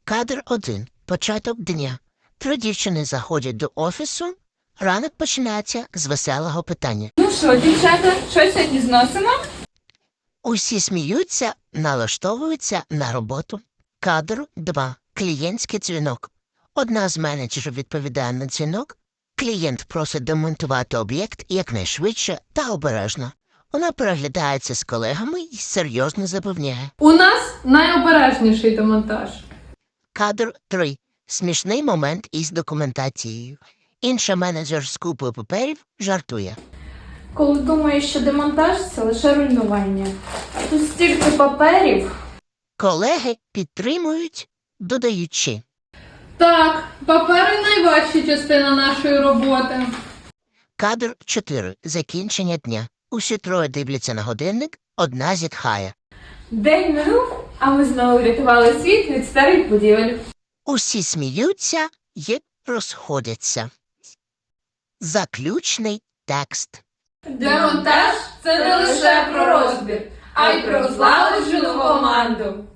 Кадр 1. Початок дня. 3 дівчини заходять до офісу. Ранок починається з веселого питання. Ну що, дівчата, що сьогодні зносимо? Усі сміються, налаштовуються на роботу. Кадр 2. Клієнтський дзвінок. Одна з менеджерів відповідає на дзвінок. Клієнт просить демонтувати об'єкт якнайшвидше та обережно. Вона переглядається з колегами і серйозно запевняє. У нас найобережніший демонтаж. Кадр 3. Смішний момент із документацією. Інша менеджер з купою паперів жартує. Коли думаєш, що демонтаж – це лише руйнування. Тут стільки паперів. Колеги підтримують, додаючи. Так, папери – найважча частина нашої роботи. Кадр 4. Закінчення дня. Усі троє дивляться на годинник, одна зітхає. День минув, а ми знову врятували світ від старих будівель. Усі сміються і розходяться. Заключний текст. Демонтаж – це не лише про розбір, а й про злагоджену команду.